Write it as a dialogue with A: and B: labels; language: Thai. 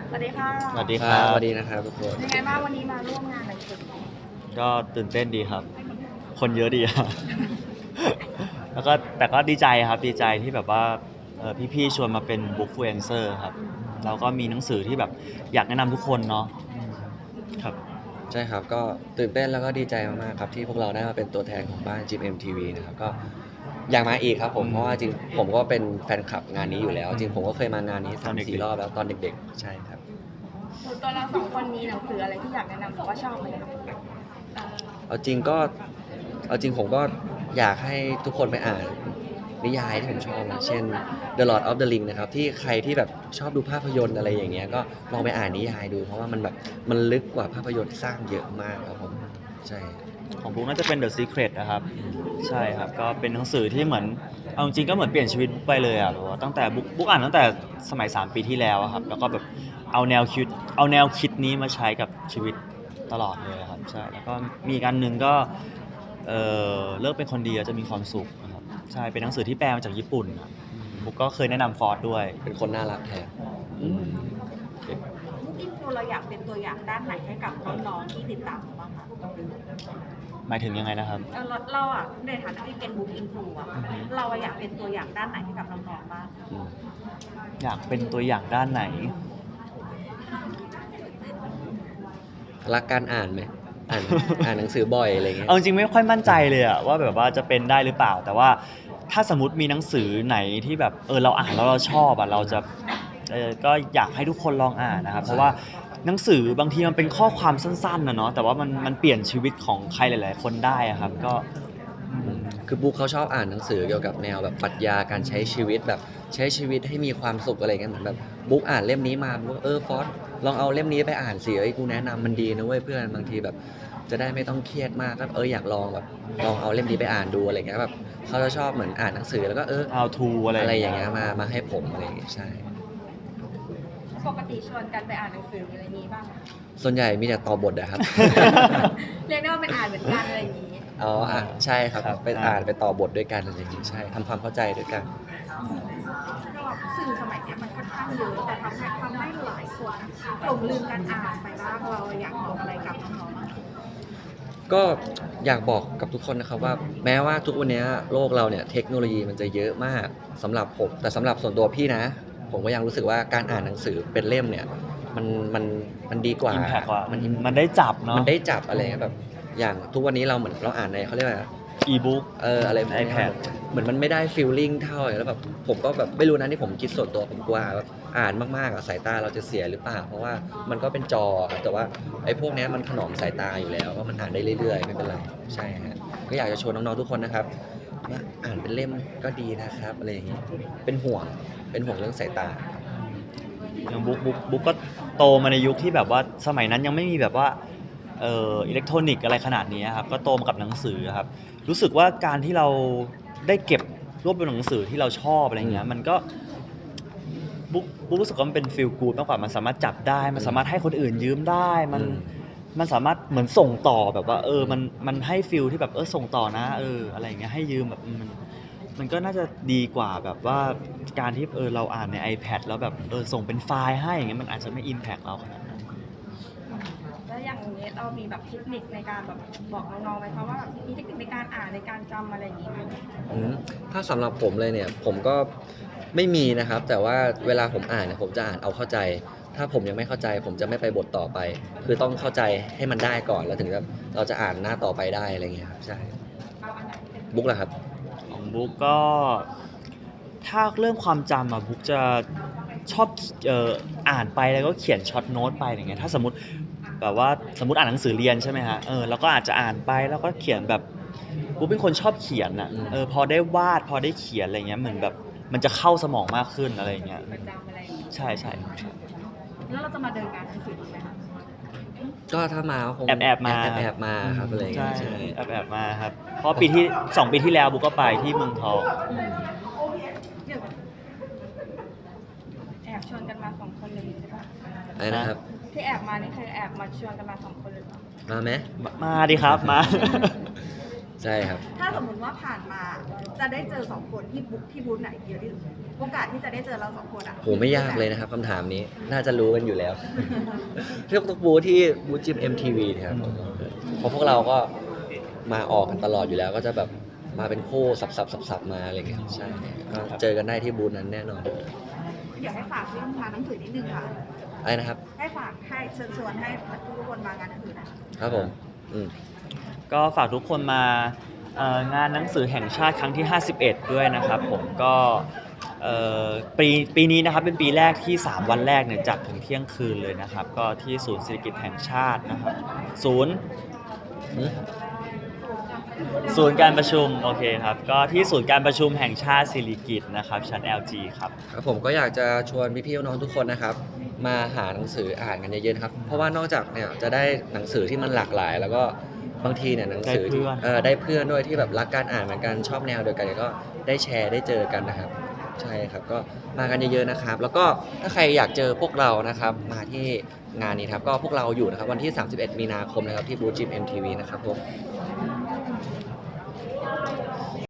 A: สวัสดีค่ะ
B: สวัสดีครับ
C: สวัสดีนะครับทุกคน
A: ยังไงบ้างวันนี้มาร่วมงานหนังสือ
B: ก็ตื่นเต้นดีครับ คนเยอะดีครับ แล้วก็แต่ก็ดีใจครับดีใจที่แบบว่าพี่ๆชวนมาเป็นบุ๊กฟลูเอนเซอร์ครับเราก็มีหนังสือที่แบบอยากแนะนำทุกคนเนาะครับ
C: ใช่ครับก็ตื่นเต้นแล้วก็ดีใจมากๆครับที่พวกเราได้มาเป็นตัวแทนของบ้าน GMMTV นะครับก็อยากมาอีกครับผมเพราะว่าจริงผมก็เป็นแฟนคลับงานนี้อยู่แล้วจริงผมก็เคยมางานนี้
B: ตอนเด็กๆ
C: 3-4 รอบแล้วตอนเด็กๆใช่ครับ
A: ส่วนตัวเราสองคนมีหนังสืออะไรที่อยากแนะนำหรือว่าชอบไหมคะเอ่อ
C: เอาจริงก็เอาจริงผมก็อยากให้ทุกคนไปอ่านนิยายที่ผมชอบนะเช่น The Lord of the Ring นะครับที่ใครที่แบบชอบดูภาพยนตร์อะไรอย่างเงี้ยก็ลองไปอ่านนิยายดูเพราะว่ามันแบบมันลึกกว่าภาพยนตร์ที่สร้างเยอะมากครับผมใช่
B: ของบุ๊กน่าจะเป็น The Secret นะครับใช่ครับก็เป็นหนังสือที่เหมือนเอาจริงๆก็เหมือนเปลี่ยนชีวิตบุ๊กไปเลยอ่ะแบบว่าตั้งแต่บุ๊กอ่านตั้งแต่สมัย3 ปีที่แล้วอะครับแล้วก็แบบเอาแนวคิดนี้มาใช้กับชีวิตตลอดเลยครับใช่แล้วก็มีอีกอันหนึ่งก็เลิกเป็นคนดีแล้วจะมีความสุขนะครับใช่เป็นหนังสือที่แปลมาจากญี่ปุ่นครับบุ๊กก็เคยแนะนำฟอร์ดด้วย
C: เป็นคนน่ารักแทน
B: อืม
A: บุ๊กอินโฟเราอยากเป็นตัวอย่างด้านไหนให้กับน้องๆที่ติดตามเราบ้างคะ
B: หมายถึงยังไงนะครับ
A: เราอ่ะในฐานะที่เป็นบุ๊กอินโฟอ่ะเราอะอยากเป็นตัวอย่างด้านไหนให้กับน้องๆบ้าง
B: อยากเป็นตัวอย่างด้านไหน
C: รักการอ่านไหมอ่าน อ่านหนังสือบ่อยอะไรเงี้ย
B: เอาจริงๆไม่ค่อยมั่นใจเลยอะว่าแบบว่าจะเป็นได้หรือเปล่า แต่ว่าถ้าสมมติมีหนังสือไหนที่แบบเราอ่านแล้วเราชอบอะเราจะก็อยากให้ทุกคนลองอ่านนะครับเพราะว่าหนังสือบางทีมันเป็นข้อความสั้นๆนะเนาะแต่ว่ามันเปลี่ยนชีวิตของใครหลายๆคนได้อะครับก็
C: คือบุ๊คเขาชอบอ่านหนังสือเกี่ยวกับแนวแบบปรัชญาการใช้ชีวิตแบบใช้ชีวิตให้มีความสุขอะไรเงี้ยเหมือนแบบบุ๊คอ่านเล่มนี้มาบุ๊คฟอสลองเอาเล่มนี้ไปอ่านสิกูแนะนำมันดีนะเว้ยเพื่อนบางทีแบบจะได้ไม่ต้องเครียดมากก็อยากลองแบบลองเอาเล่มนี้ไปอ่านดูอะไรเงี้ยแบบเขาจะชอบเหมือนอ่านหนังสือแล้วก็
B: how to
C: อะไรอย่างเงี้ยมาให้ผมอะไรอย่างเงี้ยใช่
A: ปกติชวนกันไปอ่านหนังสืออะไรนี้บ้างไหม
C: ส่วนใหญ่มีแต่ต่อบทนะครับ
A: เรียกได้ว่าเป็นอ่านเหมือนกันอะไรอย่างนี้
C: อ๋อใช่ครับ
B: ครับ
C: ไปอ่านไปต่อบทด้วยกันอะไรอย่างงี้ใช่ทำความเข้าใจด้วยกัน
A: ก็สื่อสมัยเนี้ยมันค่อนข้างเยอะแต่ทำให้หลายคนหลงลืมการอ่านไปบ้างเราอยากบอกอะไรกับน้องๆบ้าง
C: ก็อยากบอกกับทุกคนนะครับว่าแม้ว่าทุกวันนี้โลกเราเนี่ยเทคโนโลยีมันจะเยอะมากสำหรับผมแต่สำหรับส่วนตัวพี่นะ ผมก็ยังรู้สึกว่าการอ่านหนังสือเป็นเล่มเนี่ยมันมันดีกว่า
B: impact กว่า
C: มัน
B: มันได้จับเนาะ
C: มันได้จับอะไรเงี้ยแบบอย่างทุกวันนี้เราเหมือนเราอ่านในเขาเรียกว่า
B: e-book
C: อะไรพวกนี้
B: iPad
C: เหมือนมันไม่ได้ฟีลลิ่งเท่าแล้วแบบผมก็แบบไม่รู้นะที่ผมคิดส่วนตัวผมกลัวแบบอ่านมากๆสายตาเราจะเสียหรือเปล่าเพราะว่ามันก็เป็นจอครับแต่ว่าไอ้พวกนี้มันถนอมสายตาอยู่แล้วว่ามันอ่านได้เรื่อยๆไม่เป็นไรใช่ฮะก็อยากจะชวนน้องๆทุกคนนะครับว่าอ่านเป็นเล่มก็ดีนะครับอะไรอย่างนี้เป็นห่วงเรื่องสายตา
B: อย่างบุ๊กก็โตมาในยุคที่แบบว่าสมัยนั้นยังไม่มีแบบว่าอิเล็กทรอนิกส์อะไรขนาดนี้ครับก็โตมากับหนังสือครับรู้สึกว่าการที่เราได้เก็บรวบรวมหนังสือที่เราชอบอะไรเงี้ยมันก็บุ๊กรู้สึกว่ามันเป็นฟีลกู๊ดมากกว่ามันสามารถจับได้มันสามารถให้คนอื่นยืมได้มันสามารถเหมือนส่งต่อแบบว่ามันให้ฟีลที่แบบส่งต่อนะอะไรอย่างเงี้ยให้ยืมแบบมันก็น่าจะดีกว่าแบบว่าการที่เราอ่านใน iPad แล้วแบบส่งเป็นไฟล์ให้อย่างเงี้ยมันอาจจะไม่ impact เราขนาดนั้น
A: แล้วอย่างนี้เรามีแบบเทคนิคในการแบบบอกน้องๆไหมคะว่าแบบมีเทคนิคในการอ่านในการจำอะไรอย่างนี้ไหม
C: ถ้าสำหรับผมเลยเนี่ยผมก็ไม่มีนะครับแต่ว่าเวลาผมอ่านเนี่ยผมจะอ่านเอาเข้าใจ ถ้าผมยังไม่เข้าใจ ผมจะไม่ไปบทต่อไป คือต้องเข้าใจให้มันได้ก่อนแล้วถึงแบบเราจะอ่านหน้าต่อไปได้อะไรเงี้ยครับใช่บุ๊กล่ะครับ
B: ของบุ๊กก็ถ้าเรื่องความจำอะบุ๊กจะชอบอ่านไปแล้วก็เขียนช็อตโน้ตไปอย่างเงี้ยถ้าสมมติแบบว่าสมมติอ่านหนังสือเรียนใช่ไหมฮะแล้วก็อาจจะอ่านไปแล้วก็เขียนแบบบุ๊กเป็นคนชอบเขียนอะพอได้วาดพอได้เขียนอะไรเงี้ยเหมือนแบบมันจะเข้าสมองมากขึ้นอะไรอย่างเงี้ย
A: ประจำอะไรอย่างนี้
B: ใช่ใช่
A: แล้วเราจะมาเดินงานหนังสือไหมคะ
C: ก็ถ้ามาก็คง
B: แอบมา
C: แอบมาครับอะไรเงี้
B: ใช่
C: ยใช่
B: แอบมาครับเพราะ2 ปีที่แล้วบุ๊กก็ไปที่เมืองทอง
A: เดี๋ยวแอบชวนกันมาสองคนเลยใช่ปะ
C: อะไรนะครับ
A: ที่แอบมานี่คือแอบมาชวนกันมาสองคนเลยปะ
C: มาไหม
B: มาดิครับมา
C: ใใช่ครับ
A: ถ้าสมมติว่าผ่านมาจะได้เจอสองคนที่บูธไหนเยอะที่สุดโอกาสที่จะได้เจอเราสองคนอ่ะ
C: โหไม่ยากเลยนะครับคำถามนี้น่าจะรู้กันอยู่แล้ว เรียกทุกบูธที่บูธจิม MTV นะครับเพราะพวกเราก็มาออกกันตลอดอยู่แล้ว ก็จะแบบมาเป็นคู่สับมาอะไรเงี้ยใช่ก็เจอกันได้ที่บูธนั้นแน่นอน
A: เดี๋ยวให้ฝากเรื่องงานหนังสือนิดนึงค่ะ
C: อะไรนะครับ
A: ให้ฝากให้เชิญชวนให้ทุกคนมางานหนังสือนะครับ
C: ผมอืม
B: ก็ฝากทุกคนมางานหนังสือแห่งชาติครั้งที่ 51 ด้วยนะครับผมก็เอ่อปีนี้นะครับเป็นปีแรกที่ 3 วันแรกเนี่ยจัดถึงเที่ยงคืนเลยนะครับ ก็ที่ศูนย์เศรษฐกิจแห่งชาตินะครับศูนย์การประชุมโอเคครับก็ที่ศูนย์การประชุมแห่งชาติสิริกิติ์นะครับชั้น LG ครับ
C: ครับผมก็อยากจะชวนพี่ๆน้องๆทุกคนนะครับ มาหาหนังสืออ่านกันเยอะๆนะครับ เพราะว่านอกจากเนี่ยจะได้หนังสือที่มันหลากหลาย แล้วก็บางทีเนี่ยหนังสือที่
B: ได้เพื่อน
C: ได้เพื่อนด้วยที่แบบรักการอ่านเหมือนกันชอบแนวเดียวกันก็ได้แชร์ได้เจอกันนะครับ ใช่ครับก็มากันเยอะๆนะครับ แล้วก็ถ้าใครอยากเจอพวกเรานะครับมาที่งานนี้ครับก็พวกเราอยู่นะครับวันที่ 31 มีนาคมนะครับที่บูธจิม MTV นะครับผม